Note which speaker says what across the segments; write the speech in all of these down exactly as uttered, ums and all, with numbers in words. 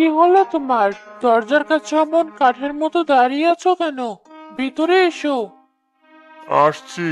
Speaker 1: কি হলো তোমার? দরজার কাছে অমন কাঠের মতো দাঁড়িয়ে আছো কেন? ভিতরে এসো।
Speaker 2: আসছি।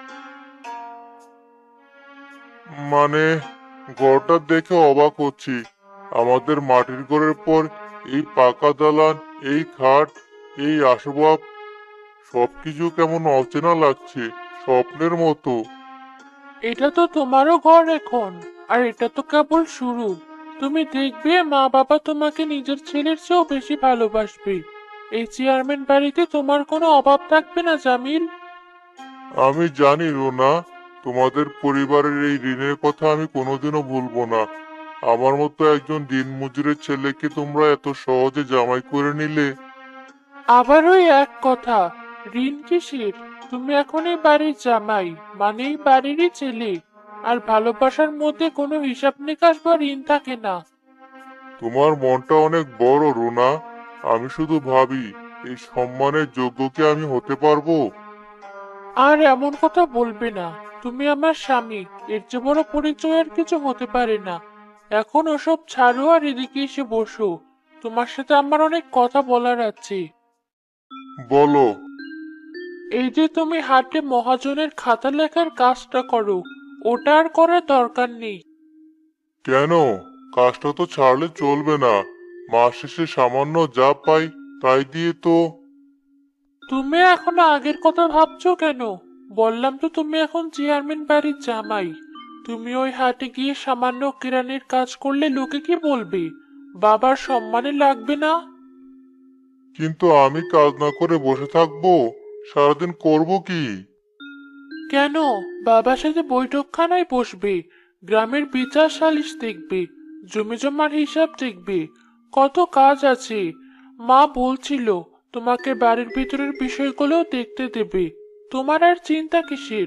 Speaker 2: মানে, ঘরটা দেখে অবাক হচ্ছি। আমাদের মাটির ঘরের পর এই পাকা দালান, এই খাট, এই আসবাব, সবকিছু কেমন অচেনা লাগছে, স্বপ্নের মতো।
Speaker 1: এটা তো তোমারও ঘর এখন। আর এটা তো কেবল শুরু। তুমি দেখবে মা বাবা তোমাকে নিজের ছেলের চেয়েও বেশি ভালোবাসবে। এই চেয়ারম্যান বাড়িতে তোমার কোনো অভাব থাকবে না, জামিল।
Speaker 2: আমি জানি রুনা, তোমাদের পরিবারের এই ঋণের কথা আমি কোনোদিনও ভুলবো না। আমার মতো একজন দিনমজুরের ছেলেকে তোমরা এত সহজে জামাই করে নিলে।
Speaker 1: আবার ওই এক কথা। ঋণ কিসের? তুমি এখন এই বাড়ির জামাই, মানে এই বাড়িরই ছেলে। আর ভালোবাসার মধ্যে কোনো হিসাব নিকাশ বা ঋণ থাকে না।
Speaker 2: তোমার মনটা অনেক বড় রুনা। আমি শুধু ভাবি, এই সম্মানের যোগ্য কি আমি হতে পারবো?
Speaker 1: আর এমন কথা বলবে না। তুমি আমার স্বামী। এর চেয়ে বড় পরিচয় আর কিছু হতে পারে না। এখন ওসব ছাড়ো আর এদিকে এসে বসো। তোমার সাথে আমার অনেক কথা বলার আছে।
Speaker 2: বলো।
Speaker 1: এই যে তুমি হাটে মহাজনের খাতা লেখার কাজটা করো, ওটা আর করার দরকার নেই।
Speaker 2: কেন? কাজটা তো ছাড়লে চলবে না। মাস শেষে সামান্য যা পাই তাই দিয়ে তো।
Speaker 1: তুমি এখনো আগের কথা ভাবছো কেন? বললাম তো তুমি এখন চেয়ারম্যান বাড়ির জামাই। তুমি ওই হাটে গিয়ে সামান্য কেরানির কাজ করলে লোকে কি বলবে? বাবার সম্মানে লাগবে না?
Speaker 2: কিন্তু আমি কাজ না করে বসে থাকবো? সারাদিন করব কি?
Speaker 1: কেন? বাবার সাথে বৈঠকখানায় বসবে। গ্রামের বিচার সালিশ দেখবে। জমি জমার হিসাব দেখবে। কত কাজ আছে। মা বলছিল তোমাকে বাড়ির ভিতরের বিষয়গুলোও দেখতে দেবে। তোমার আর চিন্তা কিসের?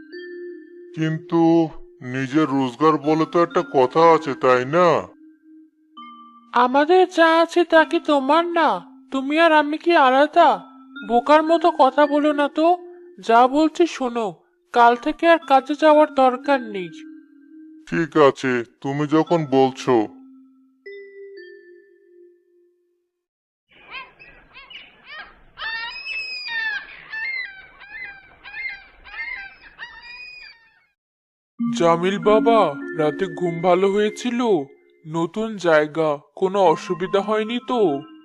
Speaker 2: কিন্তু নিজের রোজগার বলে তো একটা কথা আছে, তাই না?
Speaker 1: আমাদের যা আছে তা কি তোমার না? তুমি আর আমি কি আলাদা? বোকার মতো কথা বলো না তো। যা বলছি শোনো। কাল থেকে আর কাজে যাওয়ার দরকার নেই।
Speaker 2: ঠিক আছে, তুমি যখন বলছো।
Speaker 1: জামিল বাবা, রাতে ঘুম ভালো হয়েছিল? নতুন জায়গা, কোনো অসুবিধা হয়নি তো?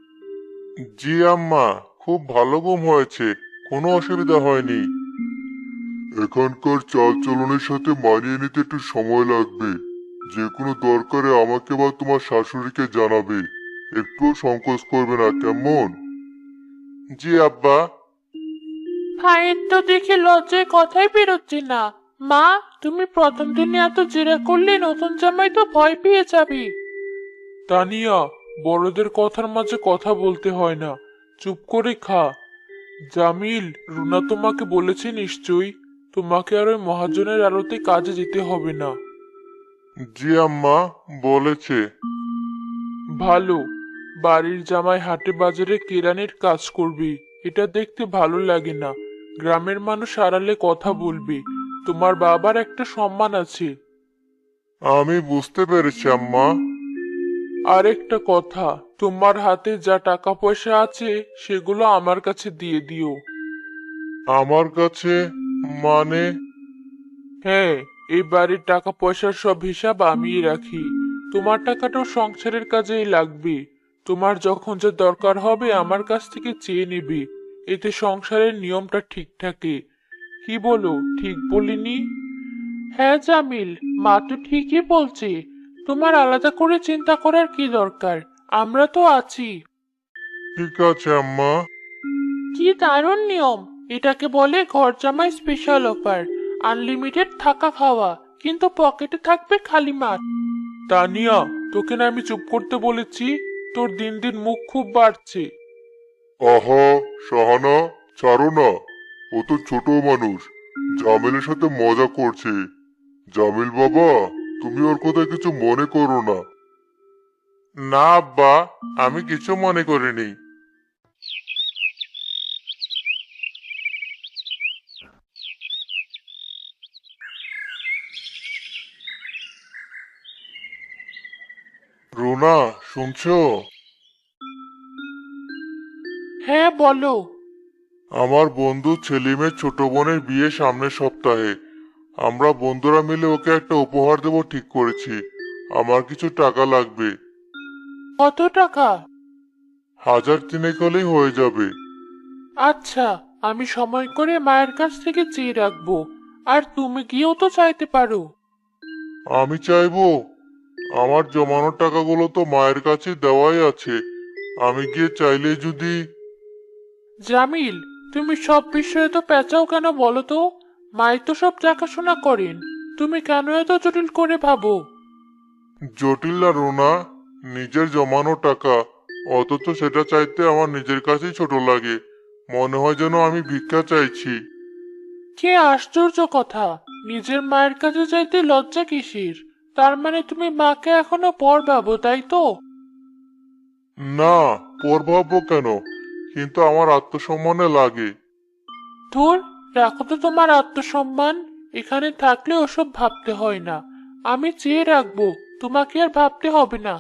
Speaker 2: জি আম্মা, খুব ভালো ঘুম হয়েছে, কোনো অসুবিধা হয়নি। এখানকার চালচলনের সাথে মানিয়ে নিতে একটু সময় লাগবে। যে কোনো দরকারে আমাকে বা তোমার শাশুড়িকে জানাবে। একটুও সংকোচ করবে না, কেমন? জি আব্বা।
Speaker 1: ভাইয়ের তো দেখে লজ্জায় কথাই বেরোচ্ছে না। মা, তুমি প্রথম দিনে এত জেরা করলে নতুন জামাই তো ভয় পেয়ে যাবে। তানিয়া, বড়দের কথার মাঝে কথা বলতে হয় না। চুপ করে খা। জামিল, রুনা তোমাকে বলেছে নিশ্চয়ই তোমাকে আর ওই মহাজনের আড়তে কাজে যেতে হবে না।
Speaker 2: জি আম্মা, বলেছে।
Speaker 1: ভালো। বাড়ির জামাই হাটে বাজারে কেরানির কাজ করবি। এটা দেখতে ভালো লাগে না। গ্রামের মানুষ আড়ালে কথা বলবে। তোমার বাবার একটা সম্মান আছে।
Speaker 2: আমি বুঝতে পেরেছি আম্মা।
Speaker 1: আরেকটা কথা, তোমার হাতে যা টাকা পয়সা আছে সেগুলো আমার কাছে দিয়ে দিও।
Speaker 2: আমার কাছে? মানে?
Speaker 1: হ্যাঁ, এই বাড়ির টাকা পয়সার সব হিসাব আমিই রাখি। তোমার টাকাটাও সংসারের কাজেই লাগবে। তোমার যখন যা দরকার হবে আমার কাছ থেকে চেয়ে নিবি। এতে সংসারের নিয়মটা ঠিক থাকে। কি বলো, ঠিক বলিনি? হ্যাঁ জামিল, মা তো ঠিকই বলছে। তোমার আলাদা করে চিন্তা করার কি দরকার? আমরা তো আছি।
Speaker 2: ঠিক আছে আম্মা।
Speaker 1: কি দারুণ নিয়ম! এটাকে বলে ঘর জামাই স্পেশাল অফার। আনলিমিটেড থাকা খাওয়া, কিন্তু পকেটে থাকবে খালি মাঠ। তানিয়া, তোকে না আমি চুপ করতে বলেছি? তোর দিন দিন মুখ খুব বাড়ছে।
Speaker 2: আহা, সাহানা, ছাড়ো না। ও তো ছোট মানুষ, জামিলের সাথে মজা করছে। জামিল বাবা, তুমি ওর কথা কিছু মনে করো না। না আব্বা, আমি কিছু মনে করিনি। রুনা, শুনছো?
Speaker 1: হ্যাঁ বলো।
Speaker 2: আমার বন্ধু সেলিমের ছোট বোনের বিয়ে সামনের সপ্তাহে। আমরা বন্ধুরা মিলে ওকে একটা উপহার দেবো ঠিক করেছি। আমার কিছু টাকা লাগবে।
Speaker 1: কত টাকা?
Speaker 2: হাজার তিনেক হলেই হয়ে যাবে।
Speaker 1: আচ্ছা, আমি সময় করে মায়ের কাছ থেকে চেয়ে রাখবো। আর তুমি গিয়েও তো চাইতে পারো।
Speaker 2: আমি চাইবো? আমার জমানো টাকাগুলো তো মায়ের কাছে দেওয়াই আছে। আমি গিয়ে চাইলে যদি...
Speaker 1: জামিল, তুমি সব বিষয়ে তো পেঁচাও কেন বলো তো? মাই তো সব দেখাশোনা করেন। তুমি কেন এত জটিল করে ভাবো?
Speaker 2: জটিল না রুনা, নিজের জমানো টাকা, অথচ সেটা চাইতে আমার নিজের কাছেই ছোট লাগে। মনে হয় যেন আমি ভিক্ষা চাইছি।
Speaker 1: কে আশ্চর্য কথা! নিজের মায়ের কাছে চাইতে লজ্জা কিসের? তার মানে তুমি মাকে এখনো পর ভাবো, তাই তো?
Speaker 2: না, পর ভাববো কেন? কিন্তু আমার আত্মসম্মানে লাগে।
Speaker 1: ধুর, রাখো তো তোমার আত্মসম্মান। এখানে থাকলে ওসব ভাবতে হয় না। আমি চেয়ে রাখবো, তোমাকে আর ভাবতে হবে না।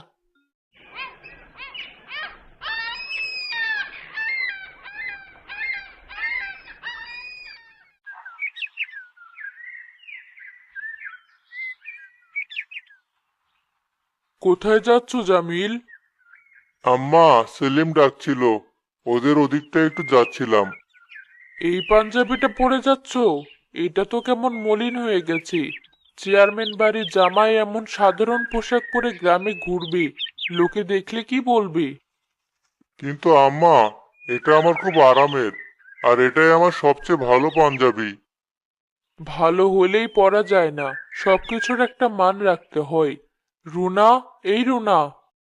Speaker 2: কোথায় যাচ্ছ জামিল? আম্মা, সেলিম ডাকছিল। ওদের ওদিকটা একটু যাচ্ছিলাম।
Speaker 1: এই পাঞ্জাবিটা পরে যাচ্ছ? এটা তো কেমন মলিন হয়ে গেছে। চেয়ারম্যান বাড়ির জামাই এমন সাধারণ পোশাক পরে গ্রামে ঘুরবে, লোকে দেখলে কি বলবে?
Speaker 2: কিন্তু আম্মা, এটা আমার খুব আরামের। আর এটাই আমার সবচেয়ে ভালো পাঞ্জাবি।
Speaker 1: ভালো হলেই পরা যায় না, সবকিছুর একটা মান রাখতে হয়। রুনা, এই রুনা।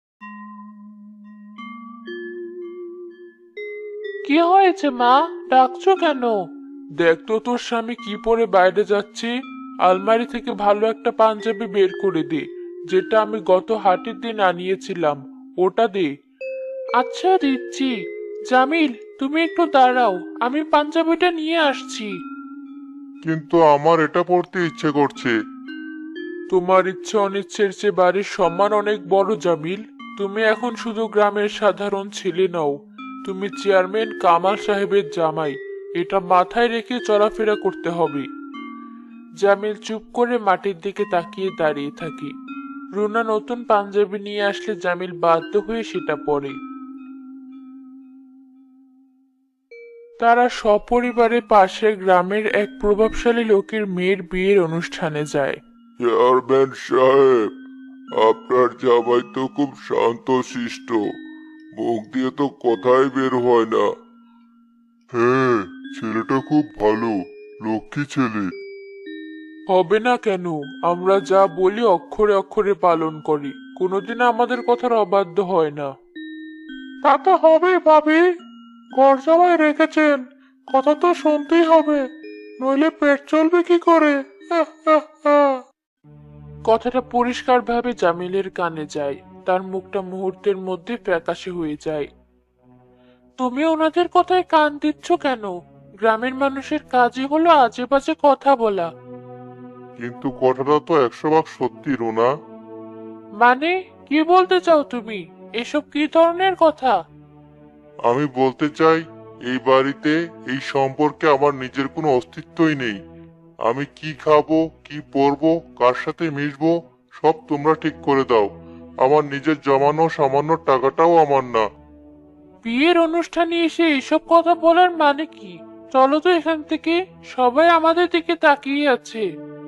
Speaker 1: কি হয়েছে মা? ডাকছো কেন? দেখ তো তোর স্বামী কি পরে বাইরে যাচ্ছে। আলমারি থেকে ভালো একটা পাঞ্জাবি বের করে দে, যেটা আমি গত হাটের দিন আনিয়েছিলাম। ওটা দে। আচ্ছা, দিচ্ছি। জামিল, তুমি একটু দাঁড়াও, আমি পাঞ্জাবিটা নিয়ে আসছি।
Speaker 2: কিন্তু আমার এটা পড়তে ইচ্ছে করছে।
Speaker 1: তোমার ইচ্ছে অনিচ্ছের চেয়ে বাড়ির সম্মান অনেক বড়, জামিল। তুমি এখন শুধু গ্রামের সাধারণ ছেলে নও, তুমি চেয়ারম্যান কামাল সাহেবের জামাই। এটা মাথায় রেখে চলাফেরা করতে হবে। জামিল চুপ করে মাটির দিকে তাকিয়ে দাঁড়িয়ে থাকে। রুনা নতুন পাঞ্জাবি নিয়ে আসলে জামিল বাধ্য হয়ে সেটা পরে। তারা সপরিবারে পাশের গ্রামের এক প্রভাবশালী লোকের মেয়ের বিয়ের অনুষ্ঠানে যায়।
Speaker 2: চেয়ারম্যান সাহেব, আপনার জামাই তো খুব শান্ত শিষ্ট। মুখ দিয়ে তো কথাই বের হয় না। হ্যাঁ, ছেলেটা খুব ভালো, লক্ষ্মী ছেলে।
Speaker 1: হবে না কেন? আমরা যা বলি অক্ষরে অক্ষরে পালন করি, কোনোদিন আমাদের কথার অবাধ্য হয় না। তা তো হবেই ভাবি। ঘর জামাই রেখেছেন, কথা তো শুনতেই হবে, নইলে পেট চলবে কি করে? আহ, আহ, আহ। কথাটা পরিষ্কারভাবে জামিলের কানে যায়। তার মুখটা মুহূর্তের মধ্যে ফ্যাকাশে হয়ে যায়। তুমি ওনাদের কথায় কান দিচ্ছ কেন? গ্রামের মানুষের কাজই হলো আজে বাজে কথা বলা।
Speaker 2: কিন্তু কথাটা তো একশো ভাগ সত্যি রুনা।
Speaker 1: মানে, কি বলতে চাও তুমি? এসব কি ধরনের কথা?
Speaker 2: আমি বলতে চাই, এই বাড়িতে, এই সম্পর্কে আমার নিজের কোনো অস্তিত্বই নেই। আমি কি খাবো, কি পরবো, কার সাথে মিশবো, সব তোমরা ঠিক করে দাও। আমার নিজের জমানো সামান্য টাকাটাও আমার না।
Speaker 1: বিয়ের অনুষ্ঠানে এসে এসব কথা বলার মানে কি? চলো তো এখান থেকে, সবাই আমাদের দিকে তাকিয়ে আছে।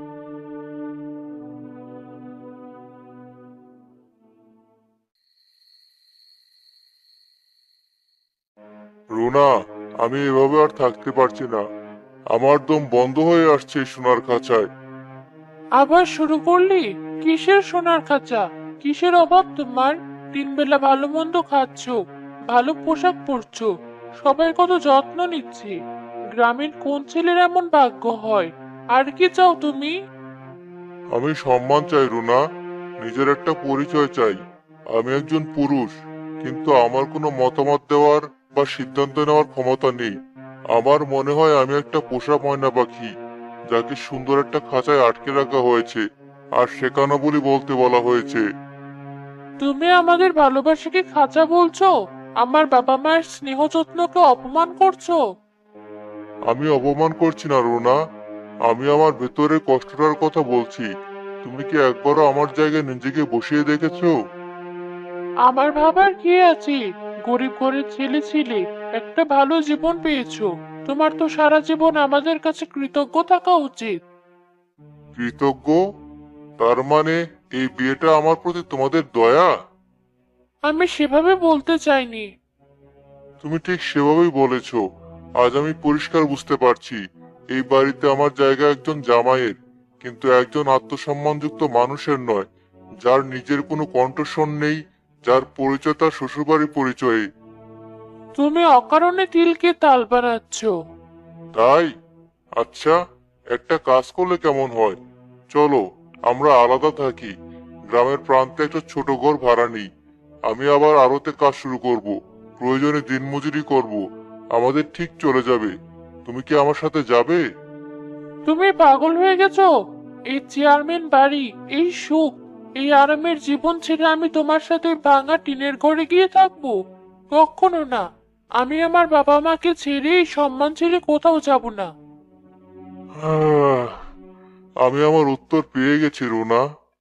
Speaker 2: রুনা, আমি এভাবে আর থাকতে পারছি না। আমার দম বন্ধ হয়ে আসছে এই সোনার খাঁচায়।
Speaker 1: আবার শুরু করলি? কিসের সোনার খাঁচা? কিসের অভাব তোমার? তিন বেলা ভালো মন্দ খাচ্ছো, ভালো পোশাক পরছো, সবাই কত যত্ন নিচ্ছে। গ্রামের কোন ছেলের এমন ভাগ্য হয়? আর কি চাও তুমি?
Speaker 2: আমি সম্মান চাই রুনা, নিজের একটা পরিচয় চাই। আমি একজন পুরুষ, কিন্তু আমার কোনো মতামত দেওয়ার বা সিদ্ধান্ত নেওয়ার ক্ষমতা নেই। আমার মনে হয় আমি একটা পোষা ময়না পাখি, যাকে সুন্দর একটা খাঁচায় আটকে রাখা হয়েছে, আর শেখানো বলি বলতে বলা হয়েছে।
Speaker 1: তুমি আমাদের ভালোবাসাকে খাঁচা বলছো? আমার বাবা মায়ের স্নেহ যত্নকে অপমান করছো?
Speaker 2: আমি অপমান করছি না রুনা, আমি আমার ভেতরের কষ্টটার কথা বলছি। তুমি কি একবারও আমার জায়গায় নিজেকে বসিয়ে দেখেছো?
Speaker 1: আমার ভাবার কি আছে? গরিব ঘরের ছেলে ছিলে, একটা ভালো জীবন পেয়েছো। তোমার তো সারা জীবন আমাদের কাছে কৃতজ্ঞ থাকা উচিত।
Speaker 2: কৃতজ্ঞ? তার মানে এই বিয়েটা আমার প্রতি তোমাদের দয়া?
Speaker 1: আমি সেভাবে বলতে চাইনি।
Speaker 2: তুমি ঠিক সেভাবেই বলেছো। আজ আমি পরিষ্কার বুঝতে পারছি এই বাড়িতে আমার জায়গা একজন জামাইয়ের, কিন্তু একজন আত্মসম্মানযুক্ত মানুষের নয়, যার নিজের কোনো কণ্ঠস্বর নেই, যার পরিচয় তার শ্বশুরবাড়ির পরিচয়ে।
Speaker 1: তুমি অকারণে তিলকে তাল বানাচ্ছ।
Speaker 2: তাই? আচ্ছা, একটা কাজ করলে কেমন হয়? চলো, আমরা আলাদা থাকি। গ্রামের প্রান্তে একটা ছোট ঘর ভাড়া নিই। আমি আবার আড়তে কাজ শুরু করব। প্রয়োজনে দিনমজুরি করব। আমাদের ঠিক চলে যাবে। তুমি কি আমার সাথে যাবে?
Speaker 1: তুমি পাগল হয়ে গেছো? এই চেয়ারম্যান বাড়ি, এই সুখ, এই আরামের জীবন ছেড়ে আমি তোমার সাথে ওই ভাঙা টিনের ঘরে গিয়ে থাকবো? কখনো না। আমি আমার বাবা মাকে ছেড়ে এই সম্মান ছেড়ে কোথাও যাব না।
Speaker 2: আহ, আমি আমার উত্তর পেয়ে গেছি রুনা।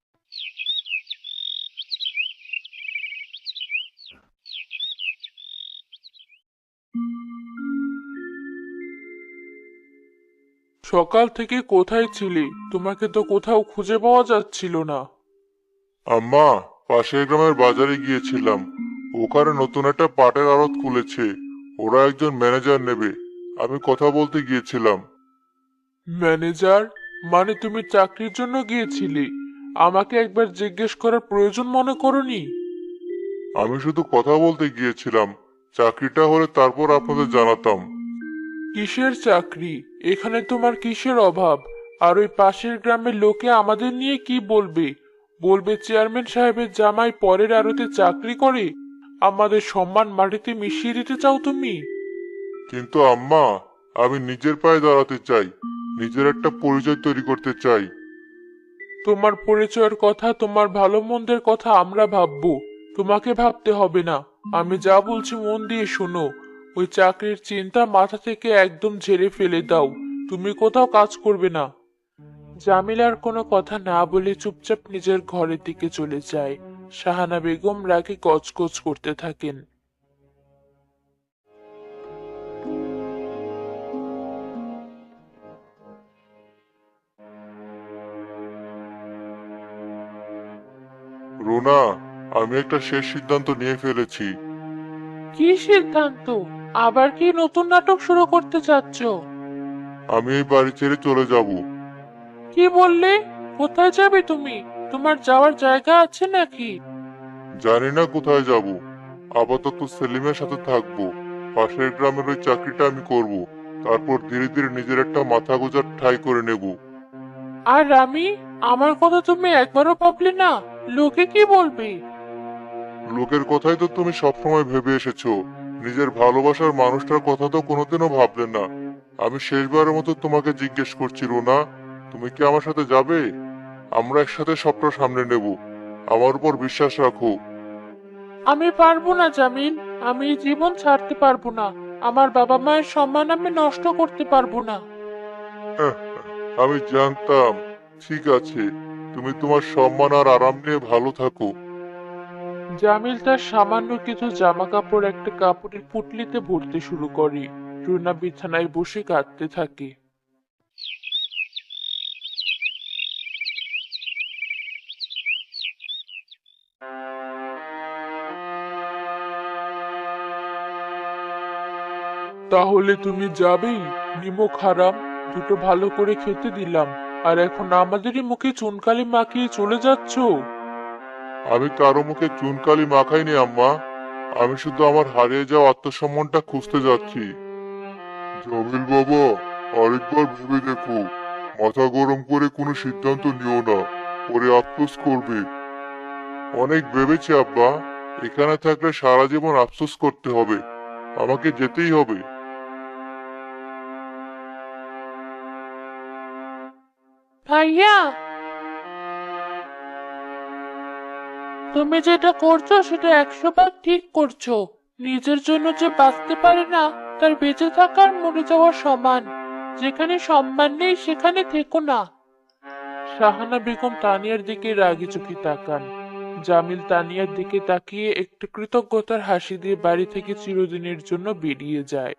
Speaker 1: সকাল থেকে কোথায় ছিলে? তোমাকে তো কোথাও খুঁজে পাওয়া যাচ্ছিল না।
Speaker 2: আম্মা, পাশের গ্রামের বাজারে গিয়েছিলাম। ওখানে নতুন একটা পাটের আড়ত খুলেছে। ওরা একজন ম্যানেজার নেবে। আমি কথা বলতে গিয়েছিলাম।
Speaker 1: ম্যানেজার? মানে তুমি চাকরির জন্য গিয়েছিলে? আমাকে একবার জিজ্ঞেস করার প্রয়োজন মনে করনি?
Speaker 2: আমি শুধু কথা বলতে গিয়েছিলাম। চাকরিটা হলে তারপর আপনাদের জানাতাম।
Speaker 1: কিসের চাকরি? এখানে তোমার কিসের অভাব? আর ওই পাশের গ্রামের লোকে আমাদের নিয়ে কি বলবে? বলবে চেয়ারম্যান সাহেবের জামাই পরের আড়তে চাকরি করে। আমাদের সম্মান মাটিতে মিশিয়ে দিতে চাও তুমি?
Speaker 2: কিন্তু আম্মা, আমি নিজের পায়ে দাঁড়াতে চাই। নিজের একটা পরিচয় তৈরি করতে চাই।
Speaker 1: তোমার পরিচয়ের কথা, তোমার ভালো মন্দের কথা আমরা ভাববো। তোমাকে ভাবতে হবে না। আমি যা বলছি মন দিয়ে শোনো। ওই চাকরির চিন্তা মাথা থেকে একদম ঝেড়ে ফেলে দাও। তুমি কোথাও কাজ করবে না। জামিল আর কোনো কথা না বলে চুপচাপ নিজের ঘরের দিকে চলে যায়। শাহানা বেগম রাগে গজগজ করতে থাকেন।
Speaker 2: রুনা, আমি একটা শেষ সিদ্ধান্ত নিয়ে ফেলেছি।
Speaker 1: কি সিদ্ধান্ত? আবার কি নতুন নাটক শুরু করতে চাচ্ছ?
Speaker 2: আমি এই বাড়ি ছেড়ে চলে যাব।
Speaker 1: কি বললে? কোথায় যাবে তুমি? তোমার যাওয়ার জায়গা আছে নাকি?
Speaker 2: জানি না কোথায় যাব। আপাতত সেলিমের সাথে থাকবো। পাশের গ্রামের ওই চাকরিটা আমি করব। তারপর ধীরে ধীরে নিজের একটা মাথা গোঁজার ঠাঁই করে নেব।
Speaker 1: আর আমি? আমার কথা তুমি একবারও ভাবলে না? লোকে কি বলবে?
Speaker 2: লোকের কথাই তো তুমি সবসময় ভেবে এসেছো। নিজের ভালোবাসার মানুষটার কথা তো কোনোদিনও ভাবলে না। আমি শেষবারের মতো তোমাকে জিজ্ঞেস করছি রুনা, তুমি কি আমার সাথে যাবে? আমরা একসাথে সবটা সামনে নেব। আমার উপর বিশ্বাস রাখো।
Speaker 1: আমি পারবো না জামিল। আমি এই জীবন ছাড়তে পারবো না। আমার বাবা মায়ের সম্মান আমি নষ্ট করতে পারবো না।
Speaker 2: হ্যাঁ, আমি জানতাম। ঠিক আছে, তুমি তোমার সম্মান আর আরাম নিয়ে ভালো থাকো।
Speaker 1: জামিল তার সামান্য কিছু জামা কাপড় একটা কাপড়ের পুটলিতে ভরতে শুরু করে। রুনা বিছানায় বসে কাঁদতে থাকে। তাহলে তুমি যাবেই? নিমক হারাম, দুটো ভালো করে খেতে দিলাম, আর এখন আমাদেরই মুখে চুনকালি মাখিয়ে চলে যাচ্ছ?
Speaker 2: আমি কারো মুখে চুনকালি মাখাইনি আম্মা। আমি শুধু আমার হারিয়ে যাওয়া আত্মসম্মানটা খুঁজতে যাচ্ছি। জামিল বাবা, আরেকবার ভেবে দেখো। মাথা গরম করে কোনো সিদ্ধান্ত নিও না, পরে আফসোস করবে। অনেক ভেবেছি আব্বা। এখানে থাকলে সারা জীবন আফসোস করতে হবে। আমাকে যেতেই হবে।
Speaker 1: ভাইয়া, তুমি যেটা করছো সেটা একশো ভাগ ঠিক করছো। নিজের জন্য যে বাঁচতে পারে না তার বেঁচে থাকার মরে যাওয়া সমান। যেখানে সম্মান নেই সেখানে থেকো না। শাহানা বেগম তানিয়ার দিকে রাগি চোখে তাকান। জামিল তানিয়ার দিকে তাকিয়ে একটু কৃতজ্ঞতার হাসি দিয়ে বাড়ি থেকে চিরদিনের জন্য বেরিয়ে যায়।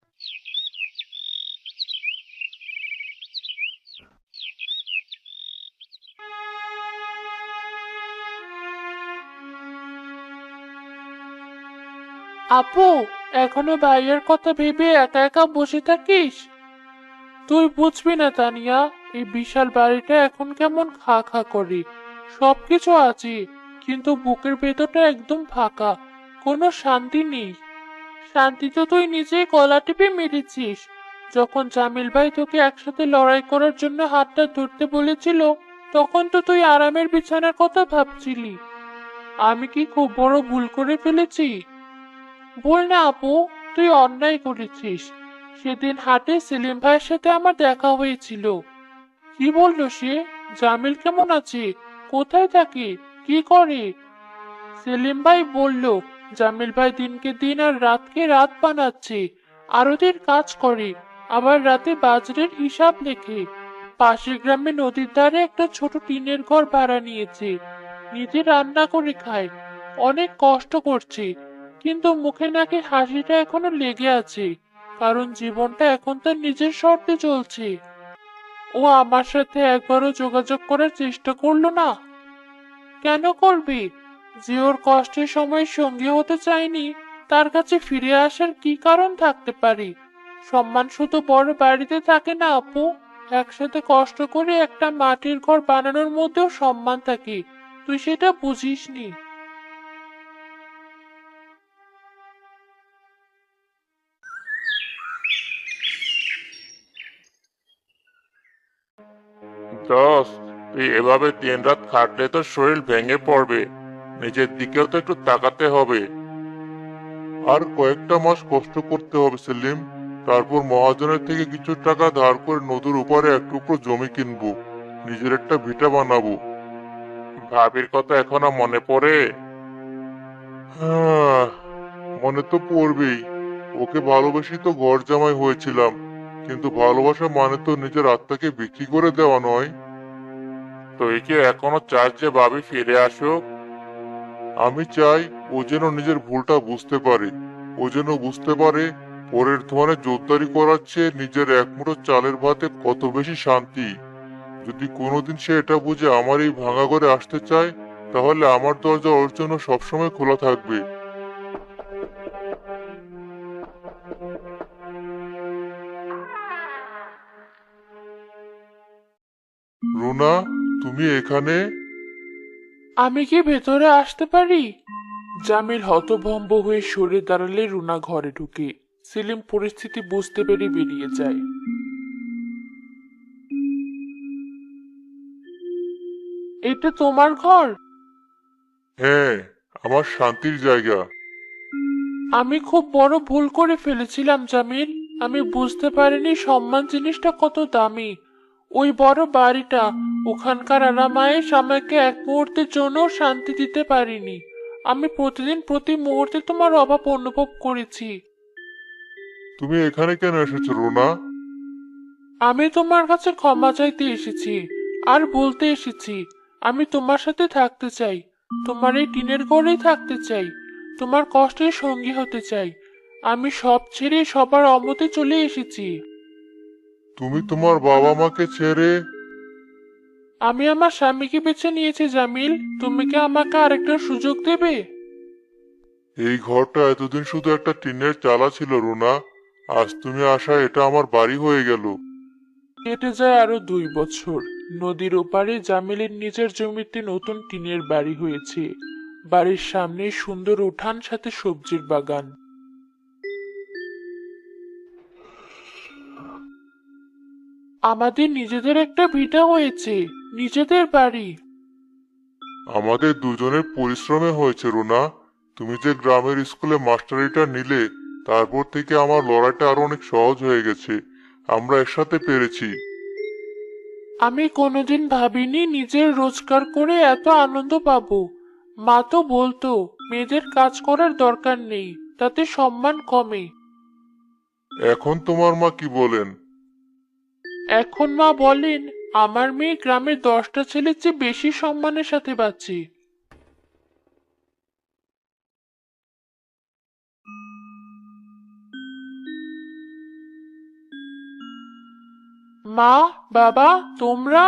Speaker 1: আপু, এখনো ভাইয়ের কথা ভেবে একা একা বসে থাকিস? তুই বুঝবি না তানিয়া, এই বিশাল বাড়িটা এখন কেমন খা খা করে। সবকিছু আছে, কিন্তু বুকের ভেতরটা একদম ফাঁকা। কোনো শান্তি নেই। শান্তি তো তুই নিজেই গলা টিপে মেরেছিস। যখন জামিল ভাই তোকে একসাথে লড়াই করার জন্য হাতটা ধরতে বলেছিল, তখন তো তুই আরামের বিছানার কথা ভাবছিলি। আমি কি খুব বড় ভুল করে ফেলেছি? বল না আপু, তুই অন্যায় করেছিস। সেদিন হাটে সেলিম ভাইয়ের সাথে আমার দেখা হয়েছিল। কি বললো সে? জামিল কেমন আছে? কোথায় থাকে? কি করে? সেলিম ভাই বলল, জামিল ভাই দিনকে দিন আর রাতকে রাত বানাচ্ছে। আরতির কাজ করে, আবার রাতে বাজারের হিসাব লেখে। পাশের গ্রামে নদীর ধারে একটা ছোট টিনের ঘর ভাড়া নিয়েছে। নিজে রান্না করে খায়। অনেক কষ্ট করছে, কিন্তু মুখে নাকি হাসিটা এখনো লেগে আছে। কারণ জীবনটা এখন তার নিজের শর্তে চলছে। ও আমার সাথে একবারও যোগাযোগ করার চেষ্টা করলো না। কেন করবে? যে ওর কষ্টের সময় সঙ্গী হতে চায়নি, তার কাছে ফিরে আসার কি কারণ থাকতে পারে? সম্মান শুধু বড় বাড়িতে থাকে না আপু। একসাথে কষ্ট করে একটা মাটির ঘর বানানোর মধ্যেও সম্মান থাকে। তুই সেটা বুঝিসনি।
Speaker 2: দোস্ত, তুই এভাবে দিন রাত খাটলে তো শরীর ভেঙে পড়বে। নিজের দিকেও তো একটু তাকাতে হবে। আর কয়েকটা মাস কষ্ট করতে হবে সেলিম। তারপর মহাজনের থেকে কিছু টাকা ধার করে নদীর উপরে এক টুকরো জমি কিনবো। নিজের একটা ভিটা বানাবো। ভাবির কথা এখনো মনে পড়ে? হ্যাঁ, মনে তো পড়বেই। ওকে ভালোবেসে তো ঘর জামাই হয়েছিলাম, কিন্তু ভালোবাসা মানে তো নিজের আত্মাকে বিক্রি করে দেওয়া নয়। তুই কি এখনো চাস যে ভাবি ফিরে আসুক? আমি চাই ও যেন নিজের ভুলটা বুঝতে পারে। ও যেন বুঝতে পারে পরের ধনে জোরদারি করার চেয়ে নিজের এক মুঠো চালের ভাতে কত বেশি শান্তি। যদি কোনোদিন সে এটা বুঝে আমার এই ভাঙা ঘরে আসতে চায়, তাহলে আমার দরজা ওর জন্য সবসময় খোলা থাকবে। রুনা, তুমি এখানে?
Speaker 1: আমি কি ভেতরে আসতে পারি? জামিল হতভম্ব হয়ে সরে দাঁড়ালে রুনা ঘরে ঢুকে। সেলিম পরিস্থিতি বুঝতে পেরে বেরিয়ে যায়। এটা তোমার ঘর?
Speaker 2: হ্যাঁ, আমার শান্তির জায়গা।
Speaker 1: আমি খুব বড় ভুল করে ফেলেছিলাম জামিল। আমি বুঝতে পারিনি সম্মান জিনিসটা কত দামি। ওই বড় বাড়িটা, ওখানকার আরামায়েশ আমাকে এক মুহূর্তের জন্য শান্তি দিতে পারিনি। আমি প্রতিদিন প্রতি মুহূর্তে তোমার অভাব অনুভব করেছি।
Speaker 2: তুমি এখানে কেন এসেছো রুনা?
Speaker 1: আমি তোমার কাছে ক্ষমা চাইতে এসেছি, আর বলতে এসেছি আমি তোমার সাথে থাকতে চাই। তোমার এই টিনের ঘরেই থাকতে চাই। তোমার কষ্টের সঙ্গী হতে চাই। আমি সব ছেড়ে সবার অমতে চলে এসেছি।
Speaker 2: তুমি তোমার বাবা মাকে ছেড়ে?
Speaker 1: আমি আমার স্বামীকে বেছে নিয়েছি জামিল। তুমি কি আমাকে আরেকটা সুযোগ দেবে?
Speaker 2: এই ঘরটা এতদিন শুধু একটা টিনের চালা ছিল রুনা। আজ তুমি আসা এটা আমার বাড়ি হয়ে গেল।
Speaker 1: কেটে যায় আরো দুই বছর। নদীর ওপারে জামিলের নিজের জমিতে নতুন টিনের বাড়ি হয়েছে। বাড়ির সামনে সুন্দর উঠান, সাথে সবজির বাগান। আমাদের নিজেদের একটা ভিটা হয়েছে, নিজেদের বাড়ি।
Speaker 2: আমাদের দুজনের পরিশ্রমে হয়েছে রুনা। তুমি যে গ্রামের স্কুলে মাস্টারিটা নিলে, তারপর থেকে আমার লড়াইটা আরো অনেক সহজ হয়ে গেছে। আমরা একসাথে পেরেছি।
Speaker 1: আমি কোনোদিন ভাবিনি নিজের রোজগার করে এত আনন্দ পাবো। মা তো বলতো মেয়েদের কাজ করার দরকার নেই, তাতে সম্মান কমে।
Speaker 2: এখন তোমার মা কি বলেন?
Speaker 1: এখন মা বলেন, আমার মেয়ে গ্রামের দশটা ছেলের চেয়ে বেশি সম্মানের সাথে বাঁচে। মা, বাবা, তোমরা?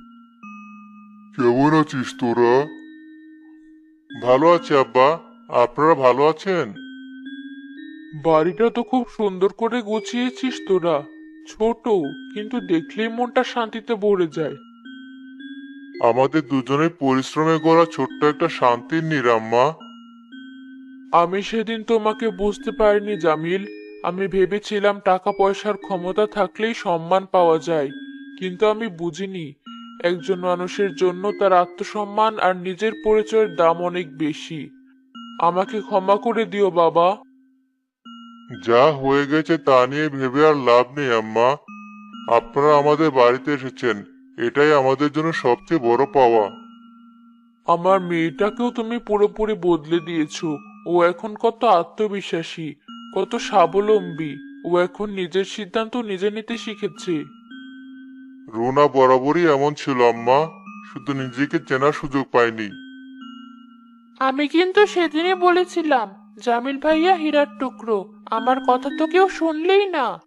Speaker 2: কেমন আছিস তোরা? ভালো আছি আব্বা। আপনারা ভালো আছেন?
Speaker 1: বাড়িটা তো খুব সুন্দর করে গুছিয়েছিস তোরা। ছোট, কিন্তু দেখলেই মনটা শান্তিতে ভরে যায়।
Speaker 2: আমাদের দুজনের পরিশ্রমে গড়া ছোট্ট একটা শান্তির নিরাম্মা।
Speaker 1: আমি সেদিন তোমাকে বুঝতে পারিনি জামিল। আমি ভেবেছিলাম টাকা পয়সার ক্ষমতা থাকলেই সম্মান পাওয়া যায়, কিন্তু আমি বুঝিনি একজন মানুষের জন্য তার আত্মসম্মান আর নিজের পরিচয়ের দাম অনেক বেশি। আমাকে ক্ষমা করে দিও বাবা।
Speaker 2: যা হয়ে গেছে তা নিয়ে ভেবে আর লাভ নেই আম্মা। আপনারা আমাদের বাড়িতে এসেছেন, এটাই আমাদের জন্য সবচেয়ে বড় পাওয়া।
Speaker 1: আমার মেয়েটাকেও তুমি পুরোপুরি বদলে দিয়েছো। ও এখন কত আত্মবিশ্বাসী, কত স্বাবলম্বী। ও এখন নিজের সিদ্ধান্ত নিজে নিতে শিখেছে।
Speaker 2: রুনা বরাবরই এমন ছিল আম্মা, শুধু নিজেকে চেনার সুযোগ পায়নি।
Speaker 1: আমি কিন্তু সেদিনই বলেছিলাম জামিল ভাইয়া হীরার টুকরো। আমার কথা তো কেউ শুনলেই না।